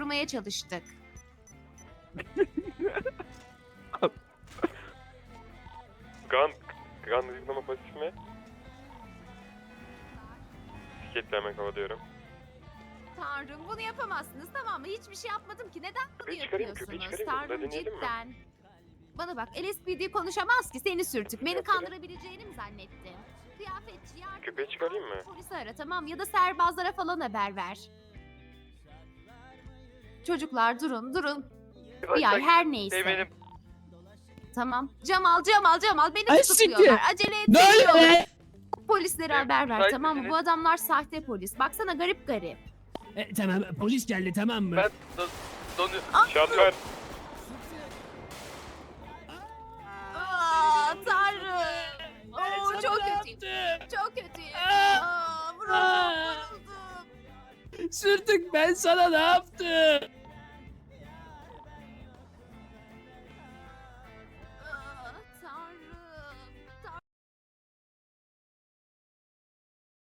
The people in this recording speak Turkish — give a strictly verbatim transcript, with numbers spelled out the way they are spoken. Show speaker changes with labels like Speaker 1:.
Speaker 1: korumaya çalıştık.
Speaker 2: Gan, Gan zıplama pasif mi? Bisikletle hemen kovalıyorum.
Speaker 1: Tanrım bunu yapamazsınız, tamam mı? Hiçbir şey yapmadım ki. Neden bunu
Speaker 2: Köpeği çıkarayım, köpeği
Speaker 1: yapıyorsunuz?
Speaker 2: çıkarayım mı? Bunu
Speaker 1: Tanrım
Speaker 2: deneyelim mi?
Speaker 1: cidden. Bana bak, L S P D konuşamaz ki, seni sürtük. Beni
Speaker 2: Yaparım.
Speaker 1: kandırabileceğini mi zannettin? Kıyafetçi yardım
Speaker 2: Köpeği
Speaker 1: et,
Speaker 2: çıkarayım
Speaker 1: acil
Speaker 2: mı?
Speaker 1: Polisi ara, tamam, ya da serbazlara falan haber ver. Çocuklar durun durun. Bir ay her neyse.
Speaker 2: Benim.
Speaker 1: Tamam. Cemal Cemal Cemal beni
Speaker 3: Ay,
Speaker 1: tutukluyorlar. Acele et.
Speaker 3: Ne oluyor be?
Speaker 1: Polislere
Speaker 2: Benim
Speaker 1: haber ver,
Speaker 2: müsait
Speaker 1: tamam mı?
Speaker 2: misiniz?
Speaker 1: Bu adamlar sahte polis. Baksana garip garip.
Speaker 3: E, tamam polis geldi tamam mı?
Speaker 2: Ben don, donuyor. Şoför.
Speaker 1: Aa Tanrım.
Speaker 3: Ben
Speaker 1: Oo,
Speaker 3: sana
Speaker 1: çok
Speaker 3: ne
Speaker 1: kötüyüm.
Speaker 3: yaptım?
Speaker 1: Çok kötüyüm.
Speaker 3: Aa!
Speaker 1: Aa, vuruldum,
Speaker 3: Aa!
Speaker 1: vuruldum.
Speaker 3: Sürtük ben sana ne yaptım?